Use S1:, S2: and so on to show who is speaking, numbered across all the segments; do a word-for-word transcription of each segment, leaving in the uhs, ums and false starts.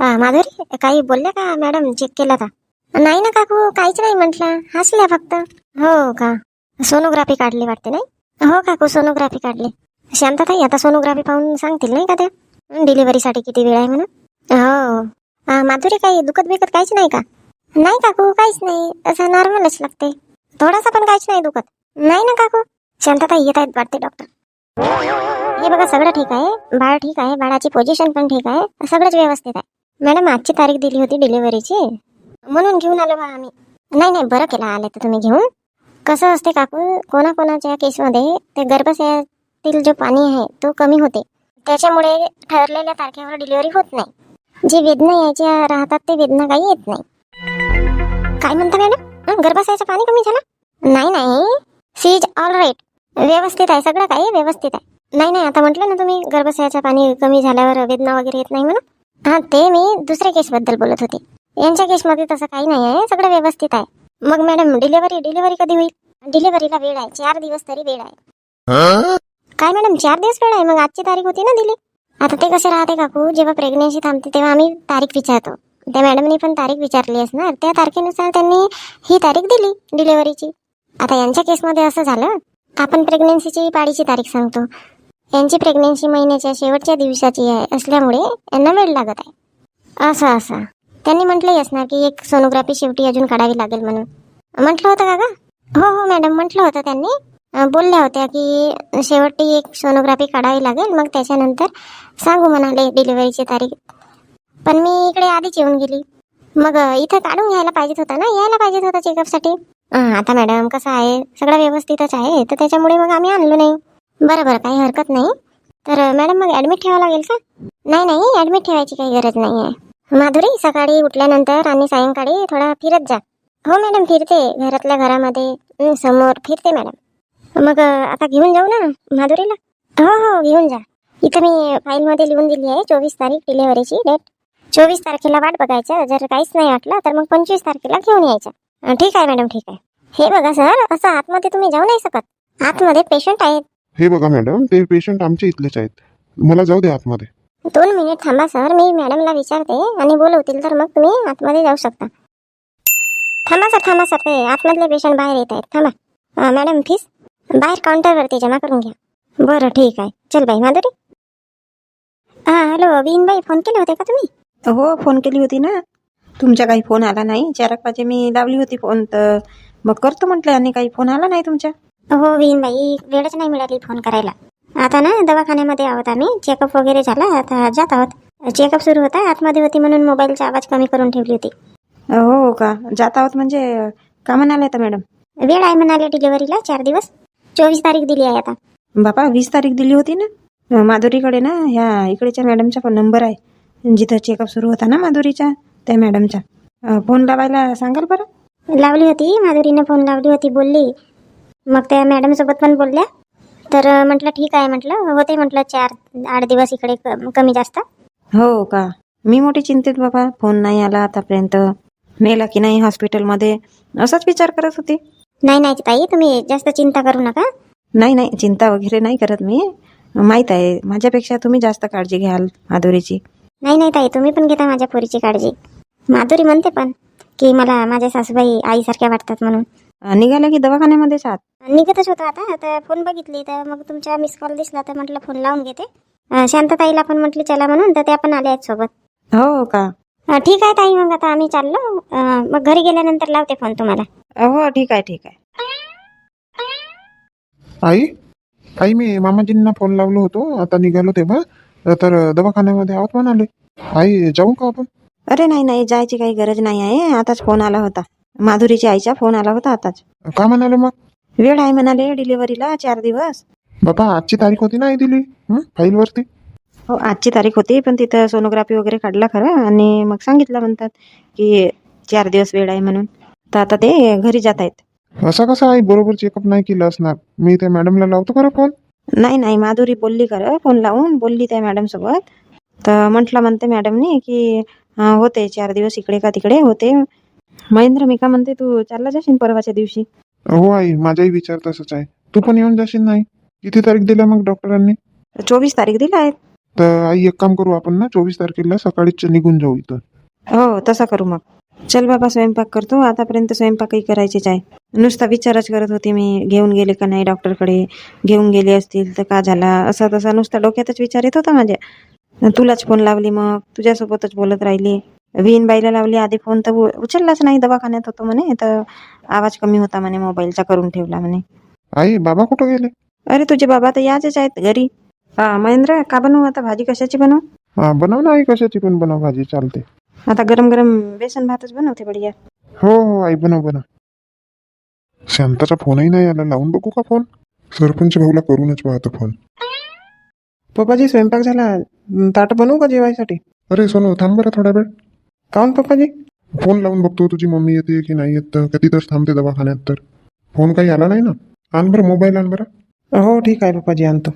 S1: हा माधुरी, काही बोलल्या का मॅडम? चेक केला का? नाही ना काकू, काहीच नाही म्हटलं, हसल्या फक्त. हो का? सोनोग्राफी काढली वाटते नाही? हो काकू, सोनोग्राफी काढली. शांतताई आता सोनोग्राफी पाहून सांगतील नाही का त्या डिलिव्हरीसाठी किती वेळ आहे म्हणून? हो. हा, माधुरी, काही दुखत बिकत काहीच नाही का? नाही काकू, काहीच नाही, असं नॉर्मलच लागते. थोडासा पण काहीच नाही दुखत. नाही ना काकू. शांतताई येत आहेत वाटते डॉक्टर. हे बघा, सगळं ठीक आहे, बाळ ठीक आहे, बाळाची पोझिशन पण ठीक आहे, सगळंच व्यवस्थित आहे. मॅडम आजची तारीख दिली होती डिलिव्हरीची, म्हणून घेऊन आलो बा आम्ही. नाही नाही, बरं केलं आले तर तुम्ही घेऊन. कसं असते काकू, कोणाकोणाच्या केसमध्ये ते गर्भाशयातील जो पाणी आहे तो कमी होते, त्याच्यामुळे ठरलेल्या तारखेवर डिलिव्हरी होत नाही. जी वेदना यायच्या राहतात ते वेदना काही येत नाही. काय म्हणता मॅडम? गर्भाशयाचं पाणी कमी झालं? नाही नाही, सी इज ऑल राईट, व्यवस्थित आहे, सगळं काही व्यवस्थित आहे. नाही नाही, आता म्हटलं ना तुम्ही गर्भाशयाचं पाणी कमी झाल्यावर वेदना वगैरे येत नाही म्हणून. हा, ते मी दुसऱ्या केसबद्दल बोलत होते. यांच्या केसमध्ये तसं काही नाही आहे, सगळं व्यवस्थित आहे. मग मॅडम डिलिव्हरी डिलिव्हरी कधी होईल? डिलिव्हरीला वेळ आहे, चार दिवस तरी वेळ आहे. काय मॅडम, चार दिवस वेळ आहे? मग आजची तारीख होती ना दिली. आता ते कसे राहते काकू, जेव्हा प्रेग्नेन्सी थांबते तेव्हा आम्ही तारीख विचारतो. त्या मॅडमनी पण तारीख विचारली असणार, त्या तारखेनुसार त्यांनी ही तारीख दिली डिलिव्हरीची. आता यांच्या केसमध्ये असं झालं, आपण प्रेग्नेन्सीची पाळीची तारीख सांगतो, यांची प्रेग्नेन्सी महिन्याच्या शेवटच्या दिवसाची आहे असल्यामुळे यांना वेळ लागत आहे. असं असं त्यांनी म्हटलंही असणार की एक सोनोग्राफी शेवटी अजून काढावी लागेल म्हणून. म्हटलं होतं का गा? हो हो मॅडम, म्हटलं होतं त्यांनी. बोलल्या होत्या की शेवटी एक सोनोग्राफी काढावी लागेल, मग त्याच्यानंतर सांगू म्हणाले डिलिव्हरीची तारीख. पण मी इकडे आधीच येऊन गेली. मग इथं काढून घ्यायला पाहिजेत होता ना, यायला पाहिजेत होता चेकअपसाठी. आता मॅडम कसं आहे, सगळं व्यवस्थितच आहे, तर त्याच्यामुळे मग आम्ही आणलो नाही. बरं बरं, काही हरकत नाही. तर मॅडम मग ॲडमिट ठेवावं लागेल का? नाही नाही, ॲडमिट ठेवायची काही गरज नाही आहे. माधुरी, सकाळी उठल्यानंतर आणि सायंकाळी थोडा फिरत जा. हो मॅडम, फिरते, घरातल्या घरामध्ये समोर फिरते मॅडम. मग आता घेऊन जाऊ ना माधुरीला? हो हो, घेऊन जा. इथं मी फाईलमध्ये लिहून दिली आहे चोवीस तारीख डिलिव्हरीची डेट. चोवीस तारखेला वाट बघायचं, जर काहीच नाही वाटलं तर मग पंचवीस तारखेला घेऊन यायचं. ठीक आहे मॅडम, ठीक आहे. हे बघा सर, असं आतमध्ये तुम्ही जाऊ नाही शकत, आतमध्ये पेशंट आहेत.
S2: हे बघा मॅडम, ते पेशंट आमच्या इथलेच आहेत, मला जाऊ द्या आतमध्ये.
S1: दोन मिनिट थांबा सर, मी मॅडमला विचारते आणि बोलवतील तर मग तुम्ही आतमध्ये जाऊ शकता. थांबा सर, थांबा सर, ते आतमधले पेशंट बाहेर येत आहेत, थांबा. मॅडम फीस बाहेर काउंटरवरती जमा करून घ्या. बरं ठीक आहे, चल बाई माधुरी. हां हॅलो विनबाई, फोन केले होते का तुम्ही?
S3: हो, फोन केली होती ना. तुमचा काही फोन आला नाही. चार एक वाजे मी लावली होती फोन, तर मग करतो म्हटलं, आणि काही फोन आला नाही तुमच्या.
S1: हो विनबाई, वेळच नाही मिळाली फोन करायला. आता ना दवाखान्यामध्ये आहोत आम्ही, चेकअप वगैरे झाला, आता जात आहोत. चेकअप सुरू होता, आतमध्ये होती म्हणून मोबाईलचा आवाज कमी करून ठेवली होती.
S3: हो का, जात आहोत म्हणजे का म्हणाले तर मॅडम?
S1: वेळ आहे म्हणाले डिलिव्हरीला, चार दिवस. चोवीस तारीख दिली आहे आता.
S3: बापा, वीस तारीख दिली होती ना. माधुरीकडे ना ह्या इकडेच्या मॅडमचा पण नंबर आहे, जिथं चेकअप सुरू होता ना माधुरीचा, त्या मॅडमचा. फोन लावायला सांगाल बरं?
S1: लावली होती माधुरीने, फोन लावली होती, बोलली. मग त्या मॅडमसोबत पण बोलल्या, तर म्हटलं ठीक आहे, म्हटलं होते, म्हटलं चार आठ दिवस इकडे कमी जास्त.
S3: हो का, मी मोठी चिंतेत बाबा, फोन नाही आला आतापर्यंत, नेला की नाही हॉस्पिटलमध्ये, असाच विचार करत होती.
S1: नाही नाही ताई, तुम्ही जास्त चिंता करू नका.
S3: नाही नाही, चिंता वगैरे नाही करत मी, माहीत आहे माझ्यापेक्षा तुम्ही जास्त काळजी घ्याल माधुरीची.
S1: नाही नाही ताई, तुम्ही पण घेता माझ्या पोरीची काळजी. माधुरी म्हणते पण की मला माझ्या सासूबाई आईसारख्या वाटतात म्हणून.
S3: निघाल्या की दवाखान्यामध्येच आहात?
S1: निघतच होतो आता, तर फोन बघितली तर मग तुमचा मिस कॉल दिसला, तर म्हटलं फोन लावून घेते. शांतताईला पण म्हटली चला म्हणून, तर त्या पण आल्या आहेत सोबत.
S3: हो का,
S1: ठीक आहे ताई, मग आता आम्ही चाललो, मग घरी गेल्यानंतर लावते फोन तुम्हाला.
S3: हो ठीक आहे, ठीक आहे.
S2: आई आई मी मामाजींना फोन लावलो होतो, आता निघालो तेव्हा, तर दवाखान्यामध्ये आहोत म्हणाले. आई जाऊ का आपण?
S3: अरे नाही नाही, जायची काही गरज नाही आहे, आताच फोन आला होता, माधुरीच्या आईचा फोन आला होता आताच.
S2: का म्हणाले मग?
S3: वेळ आहे म्हणाले डिलिव्हरीला, चार दिवस.
S2: बाबा, आजची तारीख होती ना आई दिली फाईलवरती?
S3: हो, आजची तारीख होती, पण तिथं सोनोग्राफी वगैरे काढला खरं, आणि मग सांगितलं म्हणतात की चार दिवस वेळ आहे म्हणून, तर आता ते घरी जात आहेत.
S2: असं कसं आई, बरोबर चेकअप नाही केलं असणार, मी त्या मॅडमला लावतो खरं फोन.
S3: नाही नाही, माधुरी बोलली खरं, फोन लावून बोलली त्या मॅडम सोबत, तर म्हटलं म्हणते मॅडमनी की हा होते चार दिवस इकडे का तिकडे होते. महेंद्र, मी का म्हणते, तू चालला जाशील परवाच्या दिवशी?
S2: हो आई, माझाही विचार तसंच आहे, तू पण येऊन जाशील नाही? किती तारीख दिल्या मग डॉक्टरांनी?
S3: चोवीस तारीख दिला आहे.
S2: तर आई एक काम करू आपण ना, चोवीस तारखेला सकाळीच निघून जाऊ इथं.
S3: हो तसा करू मग. चल बाबा स्वयंपाक करतो. आतापर्यंत स्वयंपाकही करायचीच आहे. नुसता विचारच करत होती मी, घेऊन गेले का नाही डॉक्टरकडे, घेऊन गेले असतील तर का झाला, असा तसा नुसता डोक्यातच विचार येत होता माझ्या. तुलाच फोन लावली, मग तुझ्यासोबतच बोलत राहिली. विहीनबाईला लावली आधी फोन तर उ- उचललाच नाही, दवाखान्यात होतो म्हणे, तर आवाज कमी होता म्हणे, मोबाईलचा करून ठेवला म्हणे.
S2: आई बाबा कुठं गेले?
S3: अरे तुझे बाबा तर याचेच आहेत घरी. हा महेंद्र, का बनवू आता भाजी, कशाची बनवू?
S2: हा बनव ना आई, कशाची पण बनव भाजी, चालते.
S3: आता गरम गरम बेसन भातच बनवते बढिया.
S2: हो हो आई, बनव बनव. शांताचा फोनही नाही आला, लावून बघू का फोन? सरपंच भाऊला करूनच पाहतो फोन.
S4: पप्पाजी स्वयंपाक झाला. ताट बनवू का जेवायसाठी?
S2: अरे सोनू थांब बरं थोडा वेळ.
S4: काऊन पप्पाजी?
S2: फोन लावून बघतो तुझी मम्मी येते की नाही येत, का तिथंच थांबते दवाखान्यात. तर फोन काही आला नाही ना. आण बरं मोबाईल, आण बरं.
S4: हो ठीक आहे पप्पाजी, आणतो.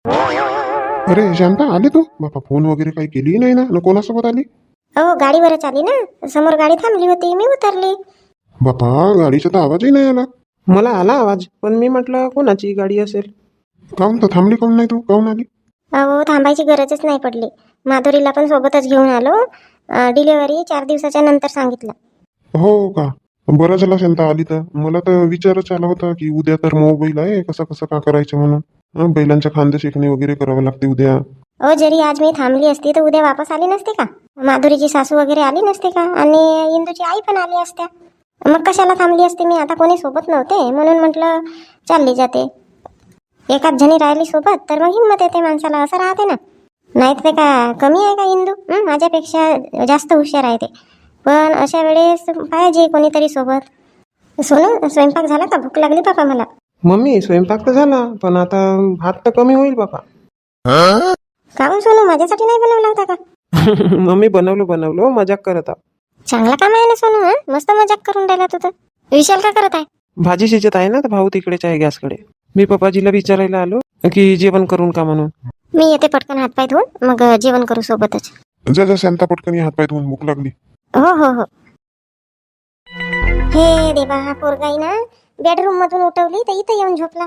S2: अरे शांता आली तू? बापा फोन वगैरे काही केली नाही ना? न कोणासोबत आली?
S1: अहो गाडीवरच आली ना, समोर गाडी थांबली होती, मी उतरली.
S2: बापा गाडीचा तर आवाजही नाही आला.
S4: मला आला आवाज, पण मी म्हटलं कोणाची गाडी असेल.
S2: काऊन तर थांबली काऊन नाही तू? काऊन आली?
S1: अहो थांबायची गरजच नाही पडली. माधुरीला पण सोबतच घेऊन आलो. डिलिव्हरी चार दिवसाच्या नंतर सांगितलं.
S2: हो का? बरं झालं शांता आली तर. मला तर विचारच आला होता की उद्या तर मोबाईल आहे, कसं कसं का करायचं म्हणून. हं, बैलांच्या खांदे शेकणे वगैरे करावं लागते उद्या.
S1: अहो जरी आज मी थांबली असती तर उद्या वापस आली नसते का? माधुरीची सासू वगैरे आली नसते का? आणि इंदूची आई पण आली असत्या. मग कशाला थांबली असते मी? आता कोणी सोबत नव्हते म्हणून म्हटलं चालली जाते. एकाच जणी राहिली सोबत तर मग हिंमत येते माणसाला, असं राहते ना. नाही तर ते का कमी आहे का इंदू? हं, माझ्यापेक्षा जास्त हुशार आहे ते. पण अशा वेळेस पाहिजे कोणीतरी सोबत. सोनू स्वयंपाक झाला का? भूक लागली बापा मला.
S4: मम्मी स्वयंपाक तर झाला, पण आता भात तर कमी होईल बापा.
S1: काहून सोनू, माझ्यासाठी नाही बनवला होता का?
S4: मम्मी बनवलं बनवलं मजाक करत आहो.
S1: चांगला काम आहे ना सोनू. हं, मस्त मजाक करून राहिला तू तर. विशाल का करत आहे?
S4: भाजी शिजत आहे ना, तर भाऊ तिकडेच आहे गॅसकडे. मी पप्पाजीला विचारायला आलो की जेवण करून का म्हणून.
S1: मी येते पटकन हातपाय धुवून, मग जेवण करू सोबतच.
S2: जा जा शांता पटकन हात पाय धुवून, भूक लागली.
S1: हो हो हो. हे देवा, हा पोरगाई ना बेडरूम मधून उठवली तर इथं येऊन झोपला.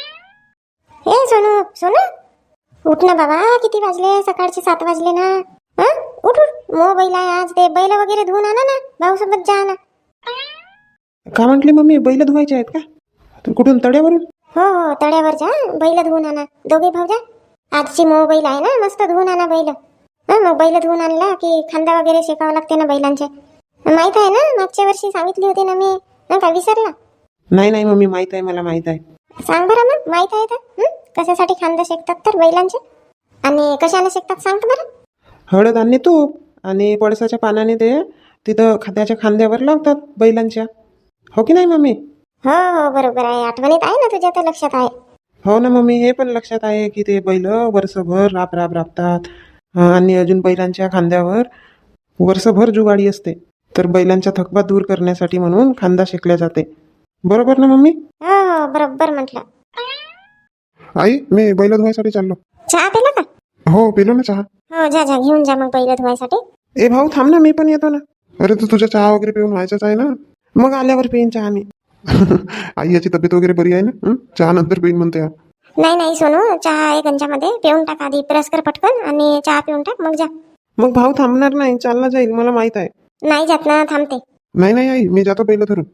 S1: हे सोनू, सोनू उठ ना बाबा, किती वाजले? सकाळचे सात वाजले ना. हं? उठ उठ, मोबाईल आहे आज, ते बैल वगैरे धुवून आणा ना, भाऊ सोबत जा ना.
S4: का म्हटली मम्मी, बैल धुवायचे आहेत का? तर कुठून, तड्यावरून?
S1: हो हो, तळ्यावर जा, बैल धुवून आणा. दोघे भाऊ जा. आजची मोबाईल आहे ना, मस्त धुवून आणा बैल. हा मग बैल धुवून आणला की खांदा वगैरे शेकावं लागते ना बैलांचे. माहित आहे ना, मागच्या वर्षी सांगितली होती ना मी. हं, का विसरला?
S4: नाही नाही मम्मी, माहित आहे, मला माहित आहे.
S1: सांग बरं मग, माहित आहे तर. हं? कशासाठी खांदा शेकतात तर बैलांचे? आणि कशाने शेकतात सांग बरं.
S4: हळद आणि तूप आणि पळसाच्या पानाने ते तिथं खाद्याच्या खांद्यावर लावतात बैलांच्या. हो की नाही मम्मी?
S1: हो हो बरोबर आहे, आठवणीत आहे ना तुझ्या, तर लक्षात आहे.
S4: हो ना मम्मी, हे पण लक्षात आहे की ते बैल वर्षभर राब राब राबतात. अं, आणि अजून बैलांच्या खांद्यावर वर्षभर जुगाडी असते, तर बैलांचा थकवा दूर करण्यासाठी म्हणून खांदा शेकल्या जाते. बरोबर ना मम्मी?
S1: हो हो बरोबर म्हटलं.
S2: आई मी बैल धुवायसाठी चाललो.
S1: चहा पिला का?
S2: हो पिलो ना चहा.
S1: हो जा जा, घेऊन जा मग बैल धुवायसाठी.
S4: ए भाऊ थांब ना, मी पण येतो ना.
S2: अरे तू तुझ्या चहा वगैरे पिऊन व्हायचंच आहे ना.
S4: मग आल्यावर पिईन चहा मी.
S2: आई याची तब्येत वगैरे बरी आहे ना? हं? चहा नंतर पिईन म्हणते हा.
S1: नाही नाही सोनू, चहा आहे गंजामध्ये, पिऊन टाक आधी. ब्रश कर पटकन आणि चहा पिऊन टाक, मग जा.
S4: मग भाऊ थांबणार नाही, चालला जाईल, मला माहित आहे.
S1: नाही जात ना, थांबते.
S2: नाही नाही आई, मी जातो बैल धरून.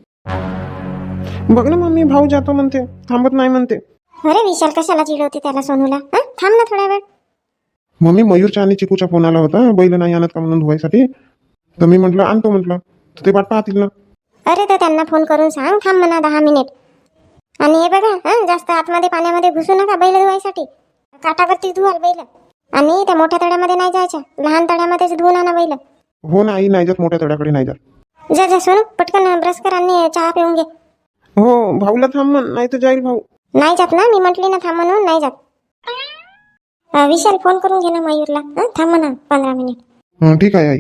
S4: बघ ना मम्मी, भाऊ जातो म्हणते, थांबत नाही म्हणते.
S1: अरे विशाल कशाला चिडवते त्याला सोनूला? हं? थांब ना थोडा वेळ.
S2: मम्मी मयूरच्या आणि चिकूचा फोन आला होता, बैल नाही आणत का म्हणून धुवायसाठी. तर मी म्हटलं आणतो म्हटलं, तर ते वाट पाहतील ना.
S1: अरे तर त्यांना फोन करून सांग थांब म्हणा दहा मिनिट. आणि हे बघा, हं, जास्त आतमध्ये पाण्यामध्ये घुसू नका बैल धुवायसाठी. काठावरती धुवाल बैल. आणि त्या मोठ्या तळ्यामध्ये नाही जायच्या, लहान तळ्यामध्येच धुवून आणा बैल.
S2: हो ना आई, नाही जात मोठ्या तळ्याकडे नाही जात.
S1: जा जा सोनू, पटकन ब्रश कर आणि चहा पिऊन घे.
S4: हो भाऊला थांब म्हण, नाही तर जाईल भाऊ.
S1: नाही जात ना, मी म्हटली ना थांब म्हणून, नाही जात. अं, विशाल फोन करून घे ना मयूरला. हं, थांब म्हणा पंधरा मिनिट.
S2: हं, ठीक आहे आई.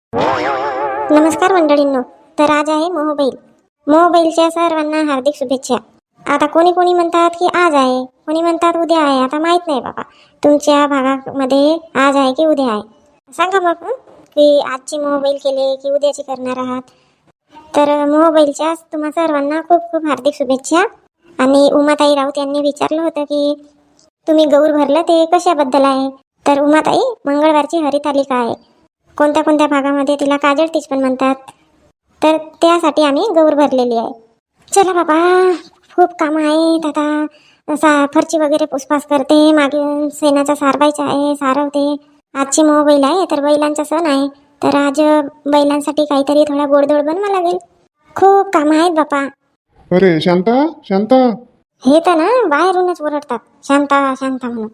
S1: नमस्कार मंडळींनो. तर आज आहे मोहबैल. मोहबैलच्या सर्वांना हार्दिक शुभेच्छा. आता कोणी कोणी म्हणतात की आज आहे, कोणी म्हणतात उद्या आहे. आता माहित नाही बाबा तुमच्या भागामध्ये आज आहे की उद्या आहे. सांगा मग, हं, की आजची मोहबैल केले की उद्याची करणार आहात. तर मोहबैलच्या तुम्हा सर्वांना खूप खूप हार्दिक शुभेच्छा. आणि उमाताई राऊत यांनी विचारलं होतं की तुम्ही गौर भरलं ते कशाबद्दल आहे. तर उमाताई मंगळवारची हरितालिका आहे. कोणत्या कोणत्या भागामध्ये तिला काजळतीच पण म्हणतात. तर त्यासाठी आम्ही गौर भरलेली आहे. चला बाबा, खूप कामं आहेत आता. सा फरची वगैरे पुसपास करते, मागे शेणाचा सारवायचा आहे, सारवते. आजची मोबाईल आहे तर बैलांचा सण आहे, तर आज बैलांसाठी काहीतरी थोडा गोडधोड बनवा लागेल. खूप कामं आहेत बापा.
S2: अरे शांता, शांता.
S1: हे तर ना बाहेरूनच ओरडतात शांता शांता म्हणून.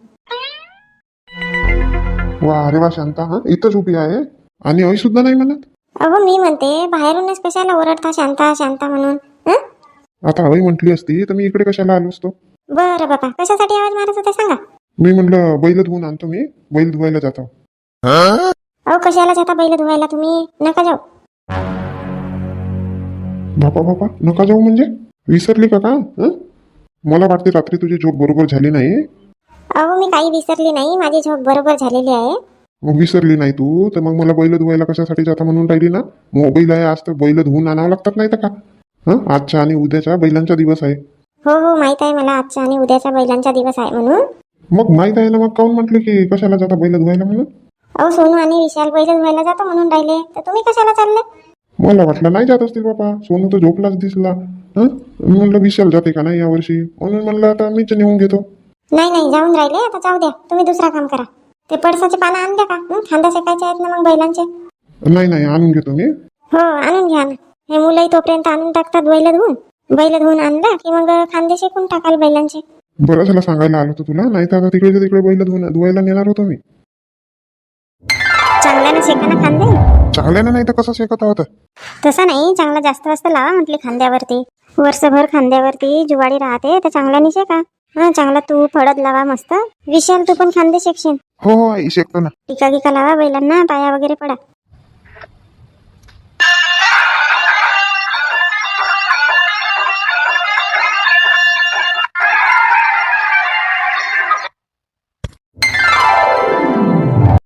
S2: वा, अरे वा शांता, हा इथंच उभी आहे आणि आई सुद्धा नाही म्हणत.
S1: अहो मी म्हणते बाहेरूनच कशाला ओरडता शांता शांता म्हणून. हं?
S2: आता आई म्हटली असती तर मी इकडे कशाला आलो असतो.
S1: बरं बापा, कशासाठी आवाज मारत होते सांगा.
S2: मी म्हणलं बैल धुवून आणतो, मी बैल धुवायला जातो.
S1: अहो कशाला जाता बैल धुवायला तुम्ही, नका जाऊ.
S2: बापा बापा, नका जाऊ म्हणजे विसरली का का हं? मला वाटते रात्री तुझी झोप बरोबर झाली नाही.
S1: अहो मी काही विसरली नाही, माझी झोप बरोबर झालेली आहे.
S2: मग विसरली नाही तू तर मग मला बैल धुवायला कशासाठी जाता म्हणून राहिली ना. मोबाईल आहे आज तर बैल धुवून आणावं लागतात नाही तर का. हं, आजच्या आणि उद्याच्या बैलांचा दिवस आहे.
S1: हो हो माहित आहे मला, आजचा आणि उद्याचा बैलांचा दिवस आहे म्हणून.
S2: मग माहित आहे ना, मग काऊन म्हटले की कशाला जाता बैल धुवायला म्हणून.
S1: अहो सोनू आणि विशाल बैल धुवायला जातो म्हणून राहिले, तर तुम्ही कशाला चालले.
S2: मला वाटलं नाही जात असतील बाबा, सोनू तर झोपलाच दिसला. हं, म्हणलं विशाल जाते का नाही यावर्षी, म्हणून म्हणलं आता मीच नेऊन घेतो.
S1: नाही नाही जाऊन राहिले, आता जाऊ द्या. तुम्ही दुसरा काम करा. ते पडसाचे पानं आणल्या का. हं, खांदा शेकायचे आहेत ना मग बैलांचे.
S2: नाही नाही, आणून घेतो मी.
S1: हो आणून घ्या ना. हे मुलंही तोपर्यंत आणून टाकतात बैल धुवून. बैल धुवून आणला की मग खांदे शेकून टाकाल बैलांचे.
S2: बरं झालं सांगायला आलो होतो तुला, नाही तर आता तिकडे तिकडे बैल धुवून धुवायला नेणार होतो मी.
S1: चांगल्यानं शेका ना खांदे.
S2: चांगल्यानं नाही तर कसं शेकत आहोत.
S1: तसं नाही, चांगला जास्त वाजता लावा म्हटले खांद्यावरती. वर्षभर खांद्यावरती जुवाडी राहते तर चांगल्याने शेका. हा चांगला तू फळद लावा मस्त. विशाल तू पण खांदे शेकशील.
S2: हो हो आई शेकतो ना.
S1: टिका गिका लावा बैलांना, पाया वगैरे पडा.